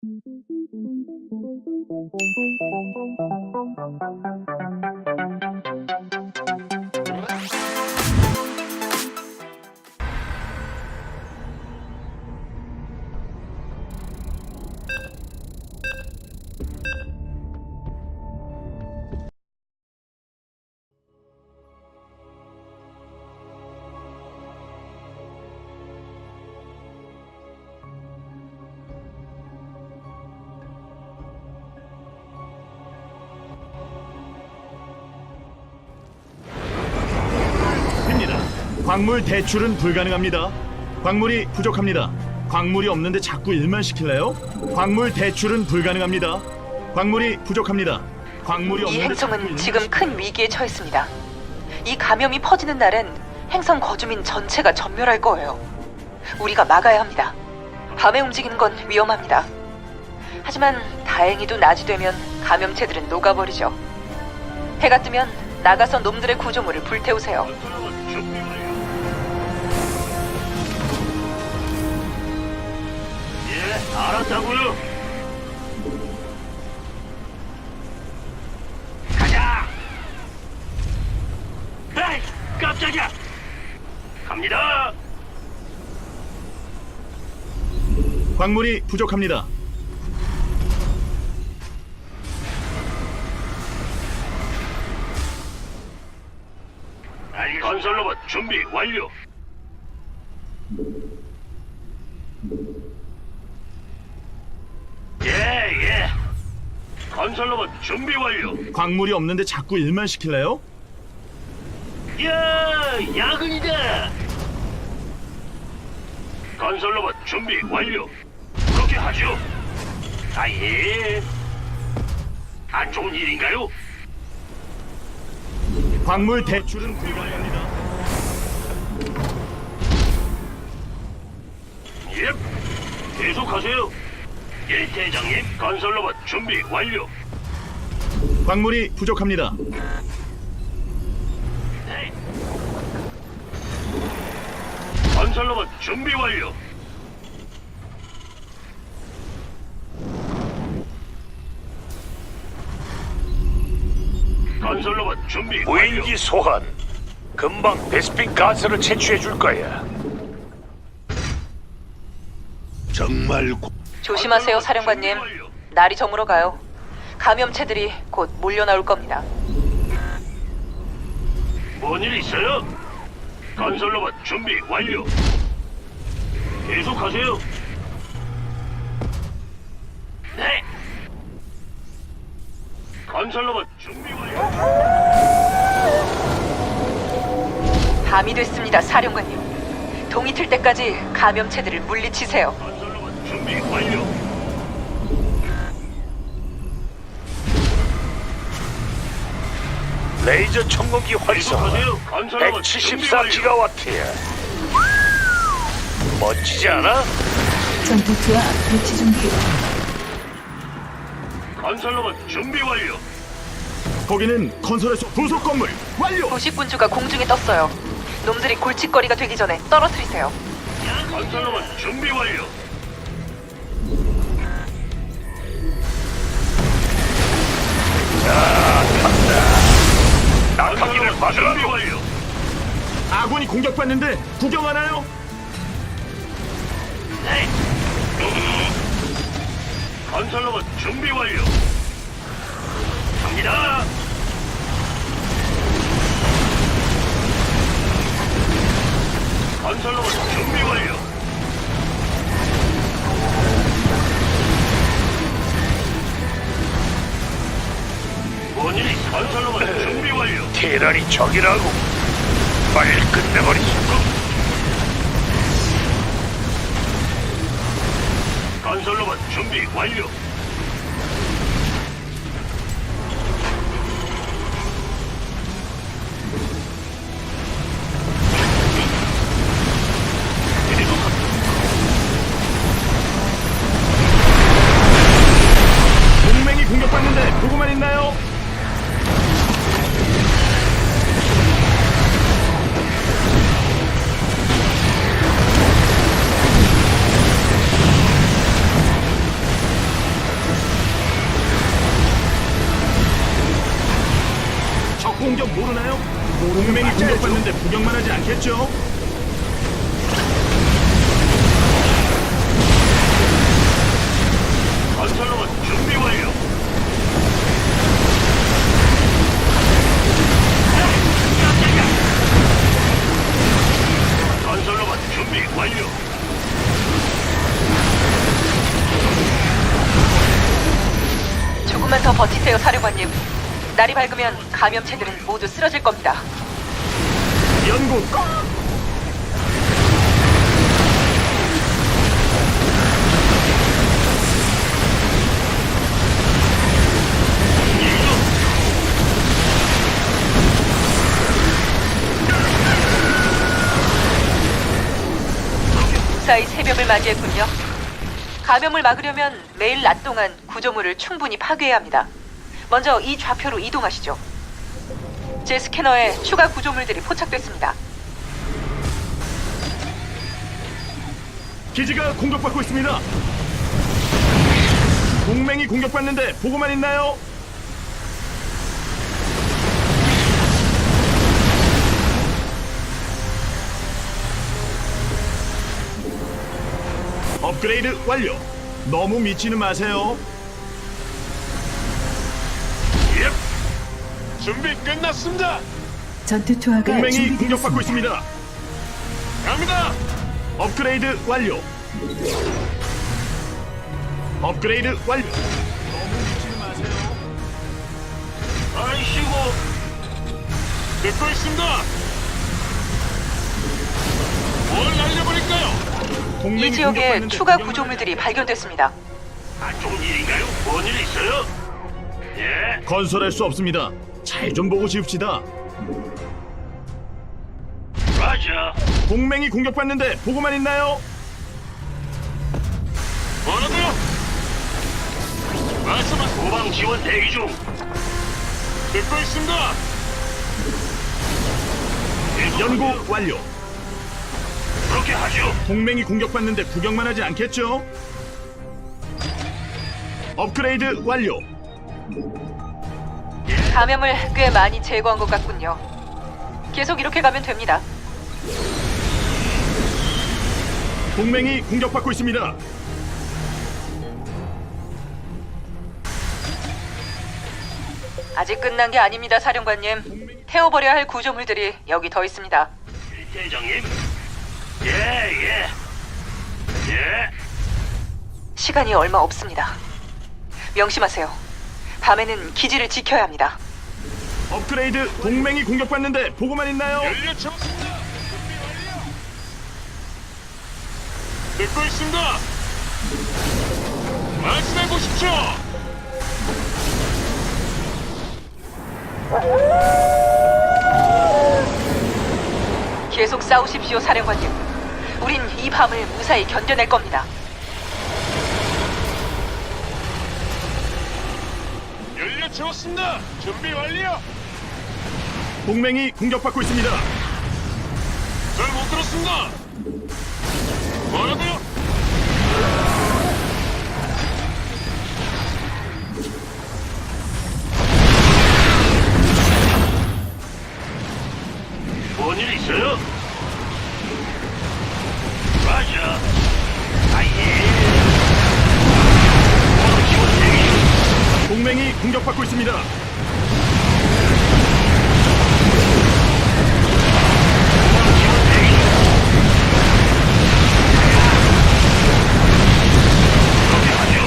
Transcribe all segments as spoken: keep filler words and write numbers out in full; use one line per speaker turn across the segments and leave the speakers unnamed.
광물 대출은 불가능합니다. 광물이 부족합니다. 광물이 없는데 자꾸 일만 시킬래요? 광물 대출은 불가능합니다. 광물이 부족합니다. 광물이
이
없는데 자꾸
행성은
일만
지금
시킬-
큰 위기에 처했습니다. 이 감염이 퍼지는 날엔 행성 거주민 전체가 전멸할 거예요. 우리가 막아야 합니다. 밤에 움직이는 건 위험합니다. 하지만 다행히도 낮이 되면 감염체들은 녹아버리죠. 해가 뜨면 나가서 놈들의 구조물을 불태우세요.
예, 알았다고요. 가자. 에이, 깜짝이야. 갑니다.
광물이 부족합니다.
알겠습니다. 건설로봇 준비 완료. 예, 예. 건설로봇 준비 완료.
광물이 없는데 자꾸 일만 시킬래요?
야, 야근이다. 건설로봇 준비 완료. 그렇게 하죠. 아, 예. 안 좋은 일인가요?
광물 대출은 불가능합니다.
예. 계속하세요. 예, 대장님. 건설로봇 준비 완료.
광물이 부족합니다.
네. 건설로봇 준비 완료. 건설로봇 준비 완료.
무인기 소환. 금방 베스핀 가스를 채취해 줄 거야. 정말 고...
조심하세요, 사령관님. 날이 저물어 가요. 감염체들이 곧 몰려 나올 겁니다.
뭔 일 있어요? 건설로봇 준비 완료. 계속하세요. 네. 건설로봇 준비 완료.
밤이 됐습니다, 사령관님. 동이 틀 때까지 감염체들을 물리치세요.
건설로봇 준비 완료.
레이저 청공기 활성화.
계속하세요. 건설로봇
백칠십사 기가와트야. 멋지지 않아?
전투투와 배치 준비.
건설로봇 준비 완료.
거기는 건설에서 부속 건물 완료.
부식군주가 공중에 떴어요. 놈들이 골칫거리가 되기 전에 떨어뜨리세요.
건설로봇 준비 완료.
낙하기를
건설로봇
받으라.
준비 완료.
아군이 공격받는데 구경하나요?
네. 건설로봇 준비 완료. 갑니다. 건설로봇 준비 완료. 뭔 일이? 건설로봇 준비 완료.
테란이 적이라고. 빨리 끝내버리자.
건설로봇 준비 완료.
동맹이 공격받는데 보고만 있나요? 모르나요? 동맹이 공격받는데 구경만 하지 않겠죠?
건설로봇 준비 완료. 건설로봇 준비 완료.
조금만 더 버티세요, 사령관님. 날이 밝으면 감염체들은 모두 쓰러질 겁니다.
연구 꼭!
무사히 새벽을 맞이했군요. 감염을 막으려면 매일 낮 동안 구조물을 충분히 파괴해야 합니다. 먼저 이 좌표로 이동하시죠. 제 스캐너에 추가 구조물들이 포착됐습니다.
기지가 공격받고 있습니다. 동맹이 공격받는데 보고만 있나요? 업그레이드 완료. 너무 미치는 마세요.
예. 준비 끝났습니다.
전투 투하가
동맹이 공격받고
준비되었습니다.
있습니다.
갑니다.
업그레이드 완료. 업그레이드 완료. 너무 미치는 마세요.
아이씨고. 듣고 있습니다. 뭘 날려버릴까요?
동맹이
이 지역에
공격받는데
추가
구경만
구조물들이 발견됐습니다.
안 좋은 일인가요? 뭔 일 있어요? 예.
건설할 수 없습니다. 잘 좀 보고 지읍시다.
맞아.
동맹이 공격받는데 보고만 있나요?
뭐라고요? 말씀하세요. 후방 지원 대기 중. 듣고 있습니다.
연구 완료.
그렇게 하죠.
동맹이 공격받는데 구경만 하지 않겠죠? 업그레이드 완료.
감염을 꽤 많이 제거한 것 같군요. 계속 이렇게 가면 됩니다.
동맹이 공격받고 있습니다.
아직 끝난 게 아닙니다, 사령관님. 태워버려야 할 구조물들이 여기 더 있습니다.
대장님. 예, 예. 예.
시간이 얼마 없습니다. 명심하세요. 밤에는 기지를 지켜야 합니다.
업그레이드. 동맹이 공격받는데 보고만 있나요?
연료 채웠습니다. 준비 완료. 듣고 있습니다. 말씀해 보십시오.
계속 싸우십시오, 사령관님. 우린 이 밤을 무사히 견뎌낼 겁니다.
연료 채웠습니다. 준비 완료.
동맹이 공격받고 있습니다.
잘 못 들었습니다. 뭐라고요? 뭔 일 있어요? 맞아. 아예. 지원 대기 중.
동맹이 공격받고 있습니다.
지원 대기 중. 그렇게 하죠.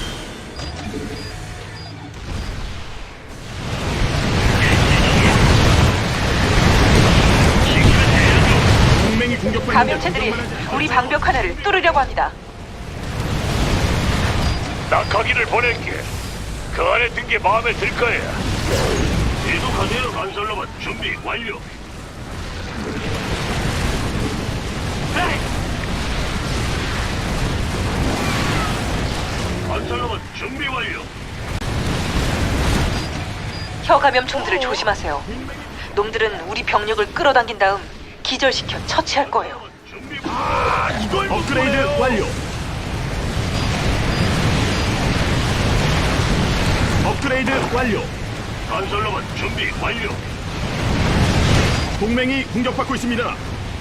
동맹이 공격받는데
감염체들이
구경만 하지
우리
않겠죠?
방벽 하나를 뚫으려고 합니다.
낙하기를 보낼게. 그 안에 든 게 마음에 들 거야.
계속하세요. 건설로봇 준비 완료. 건설로봇 준비 완료.
혀감염충들을 조심하세요. 놈들은 우리 병력을 끌어당긴 다음 기절시켜 처치할 거예요.
준비 완료. 이걸
업그레이드 완료. 업그레이드 완료.
건설로봇 준비 완료.
동맹이 공격받고 있습니다.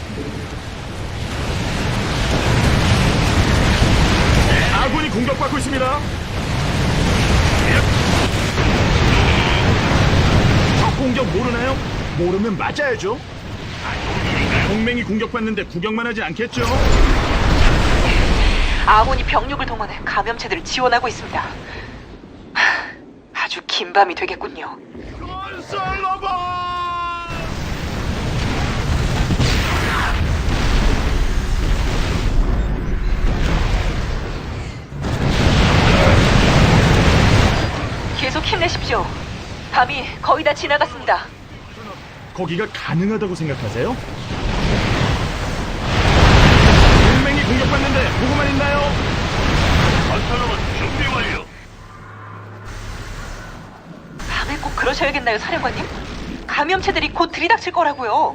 아군이 공격받고 있습니다. 적 공격 모르나요? 모르면 맞아야죠. 동맹이 공격받는데 구경만 하지 않겠죠?
아몬이 병력을 동원해 감염체들을 지원하고 있습니다. 하, 아주 긴 밤이 되겠군요.
건설로봇!
계속 힘내십시오. 밤이 거의 다 지나갔습니다.
거기가 가능하다고 생각하세요? 동맹이 공격받는데 보고만 있나요?
건설로봇 준비 완료.
밤에 꼭 그러셔야겠나요, 사령관님? 감염체들이 곧 들이닥칠 거라고요.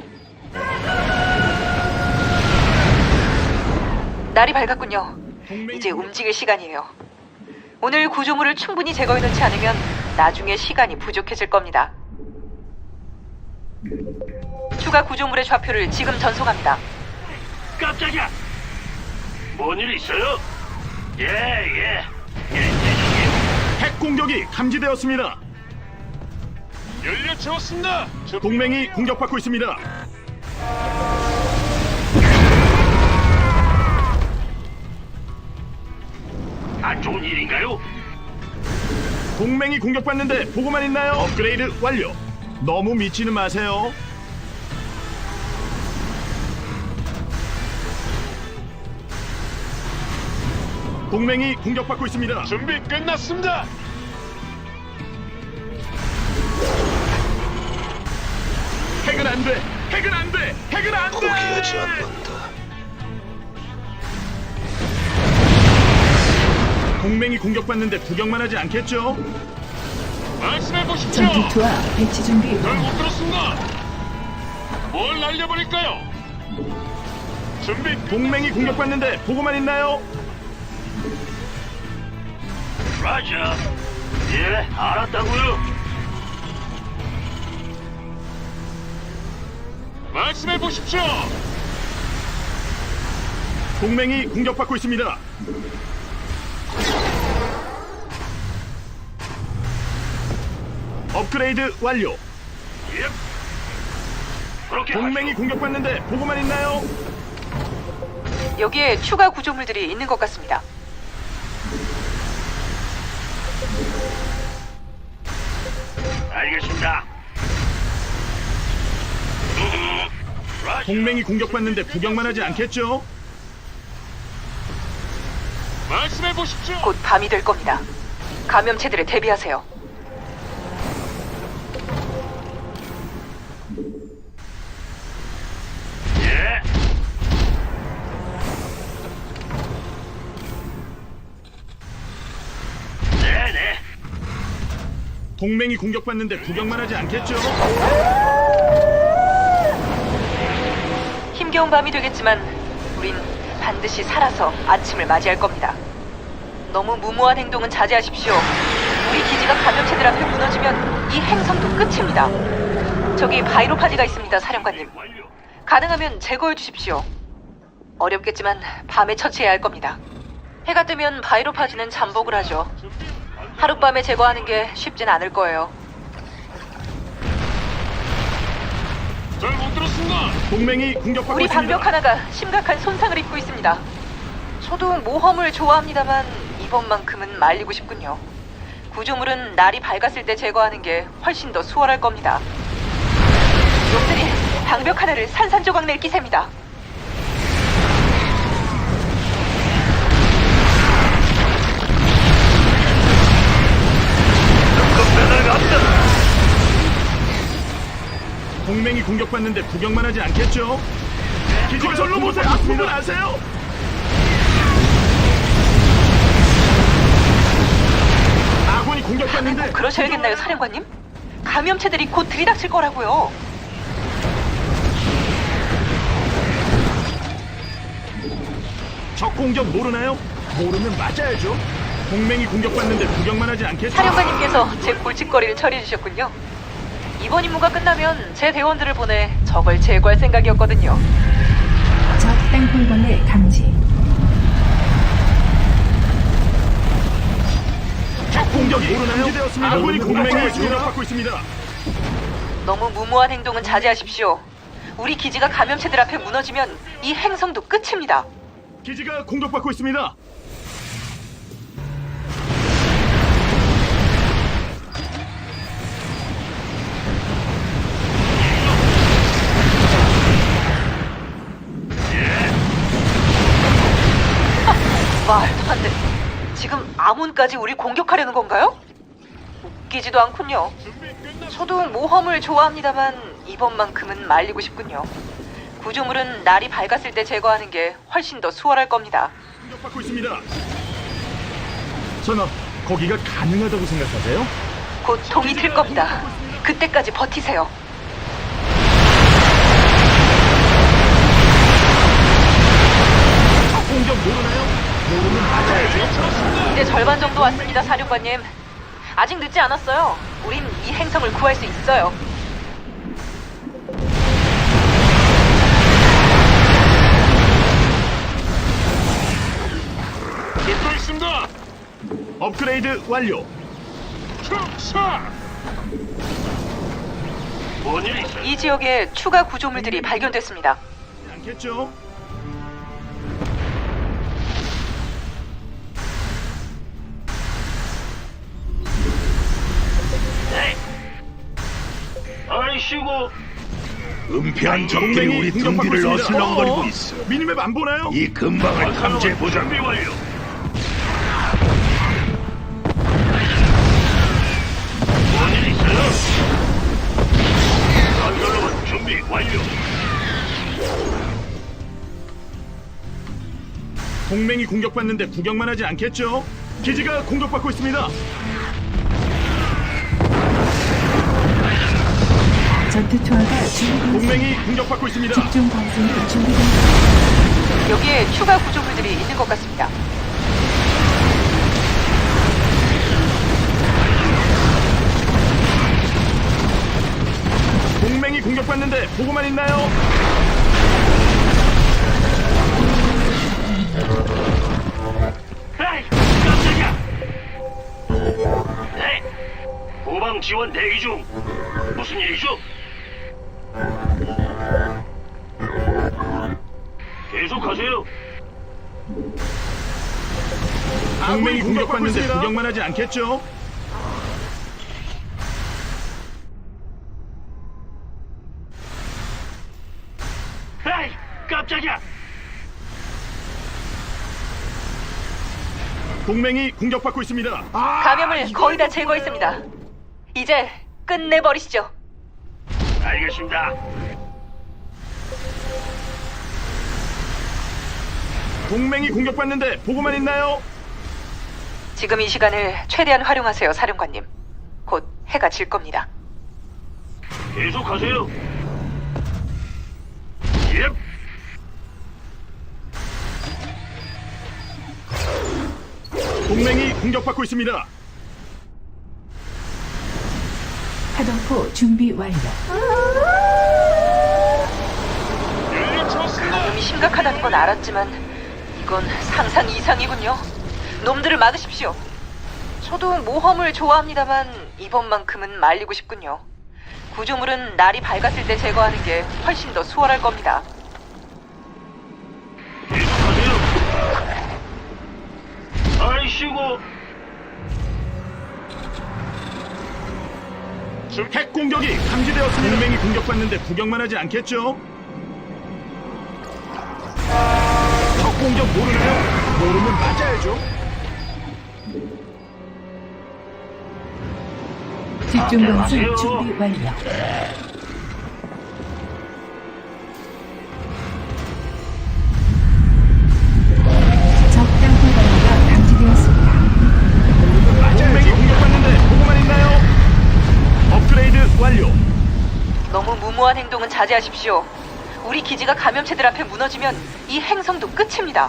날이 밝았군요. 이제 움직일 시간이에요. 오늘 구조물을 충분히 제거해 놓지 않으면 나중에 시간이 부족해질 겁니다. 추가 구조물의 좌표를 지금 전송합니다.
깜짝이야. 뭔 일 있어요? 예, 예. 예, 대장님.
핵 공격이 감지되었습니다.
연료 채웠습니다.
동맹이 공격받고 있습니다.
안 좋은 일인가요?
동맹이 공격받는데 보고만 있나요? 업그레이드 완료. 너무 미치는 마세요. 동맹이 공격받고 있습니다.
준비 끝났습니다.
핵은 안 돼. 핵은 안 돼. 핵은 안 돼.
포기하지 않는다.
동맹이 공격받는데 구경만 하지 않겠죠?
말씀해 보십시오.
전투투와 배치 준비
잘
완료.
못 들었습니다. 뭘 날려버릴까요? 준비
동맹이 공격받는데 보고만 있나요?
라자. 예, 알았다고요.
말씀해 보십시오.
동맹이 공격받고 있습니다. 업그레이드 완료.
예. 그렇게
동맹이
하죠.
공격받는데 보고만 있나요?
여기에 추가 구조물들이 있는 것 같습니다.
알겠습니다. 음, 라자.
동맹이 공격받는데 구경만 하지 않겠죠?
말씀해 보십시오.
곧 밤이 될 겁니다. 감염체들에 대비하세요.
예. 네네.
동맹이 공격받는데 구경만 하지 않겠죠?
힘겨운 밤이 되겠지만 우린 반드시 살아서 아침을 맞이할 겁니다. 너무 무모한 행동은 자제하십시오. 우리 기지가 감염체들 앞에 무너지면 이 행성도 끝입니다. 저기 바이로파지가 있습니다, 사령관님.
완료.
가능하면 제거해 주십시오. 어렵겠지만 밤에 처치해야 할 겁니다. 해가 뜨면 바이로파지는 잠복을 하죠. 하룻밤에 제거하는 게 쉽진 않을 거예요.
잘 못 들었습니다.
동맹이 공격받고
우리
있습니다.
방벽 하나가 심각한 손상을 입고 있습니다. 저도 모험을 좋아합니다만 이번만큼은 말리고 싶군요. 구조물은 날이 밝았을 때 제거하는 게 훨씬 더 수월할 겁니다. 놈들이 방벽 하나를 산산조각 낼 기세입니다.
동맹이 공격받는데 구경만 하지 않겠죠? 기지건설로 보세요. 아픔을 아세요? 아군이 공격받는데
그러셔야겠나요, 사령관님? 감염체들이 곧 들이닥칠 거라고요.
적 공격 모르나요? 모르면 맞아야죠. 동맹이 공격받는데 구경만 하지 않겠죠?
사령관님께서 제 골칫거리를 처리해 주셨군요. 이번 임무가 끝나면 제 대원들을 보내 저 저걸 제거할 생각이었거든요.
적 땅굴벌레 감지.
적 공격이 감지되었습니다. 아군이 동맹이 공격받고 있습니다.
너무 무모한 행동은 자제하십시오. 우리 기지가 감염체들 앞에 무너지면 이 행성도 끝입니다.
기지가 공격받고 있습니다.
말도 안 돼. 지금 아몬까지 우리 공격하려는 건가요? 웃기지도 않군요. 저도 모험을 좋아합니다만 이번만큼은 말리고 싶군요. 구조물은 날이 밝았을 때 제거하는 게 훨씬 더 수월할 겁니다.
공격받고 있습니다. 전하, 거기가 가능하다고 생각하세요?
곧 동이 틀 겁니다. 그때까지 버티세요.
적 공격 모르나요? 모르면 맞아야죠.
이제 절반 정도 왔습니다, 사령관님. 아직 늦지 않았어요. 우린 이 행성을 구할 수 있어요.
듣고 있습니다.
업그레이드 완료.
축사. 뭔일 있어요?
이 지역에 추가 구조물들이 발견됐습니다.
않겠죠?
네. 아이씨고.
은폐한 적들이
동맹이
우리
공격받고
등뒤를
있습니다.
어슬렁거리고
어어?
있어.
미니맵 안 보나요?
이 근방을 탐지해보자.
준비 완료. 뭔일 있어요? 건설로봇 준비 완료.
동맹이 공격받는데 구경만 하지 않겠죠? 기지가 공격받고 있습니다.
전투 투하가 준비되었습니다.
동맹이 공격받고 있습니다.
집중 방송이 준비되었습니다.
여기에 추가 구조물들이 있는 것 같습니다.
동맹이 공격받는데 보고만 있나요?
에이, 깜짝이야. 네. 후방 지원 대기 중. 무슨 일이죠? 계속하세요.
동맹이 공격받는데 구경만 하지 않겠죠?
에이, 깜짝이야.
동맹이 공격받고 있습니다. 아,
감염을 거의 다 제거했습니다. 이제 끝내버리시죠.
알겠습니다.
동맹이 공격받는데 보고만 있나요?
지금 이 시간을 최대한 활용하세요, 사령관님. 곧 해가 질 겁니다.
계속하세요. 예.
동맹이 공격받고 있습니다.
파동포 준비 완료.
감염이 심각하다는 건 알았지만 이건 상상 이상이군요. 놈들을 막으십시오. 저도 모험을 좋아합니다만 이번만큼은 말리고 싶군요. 구조물은 날이 밝았을 때 제거하는 게 훨씬 더 수월할 겁니다.
계속하세요. 아이씨고.
핵 공격이 감지되었습니다. 동맹이 공격받는데 구경만 하지 않겠죠? 적 공격 모르나요? 모르면 맞아야죠.
집중 방송 준비 완료. 적 땅굴벌레가 감지되었습니다.
동맹이 공격받는데 보고만 있나요? 업그레이드 완료.
너무 무모한 행동은 자제하십시오. 우리 기지가 감염체들 앞에 무너지면 이 행성도 끝입니다.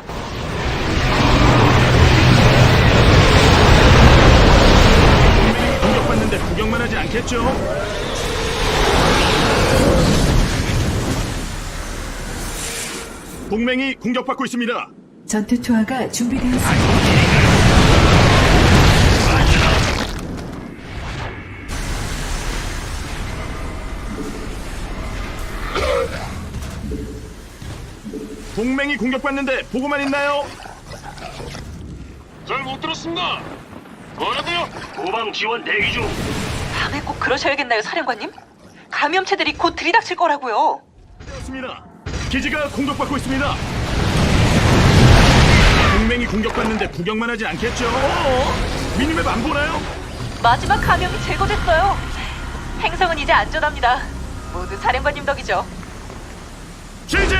공격받는데 구경만 하지 않겠죠? 동맹이 공격받고 있습니다.
전투 투하가 준비되었습니다.
동맹이 공격받는데 보고만 있나요?
잘 못 들었습니다. 뭐라고요? 후방 지원 대기 중.
밤에 꼭 그러셔야겠나요, 사령관님? 감염체들이 곧 들이닥칠 거라고요.
그렇습니다. 기지가 공격받고 있습니다. 동맹이 공격받는데 구경만 하지 않겠죠? 어어? 미니맵 안 보나요?
마지막 감염이 제거됐어요. 행성은 이제 안전합니다. 모두 사령관님 덕이죠.
제재!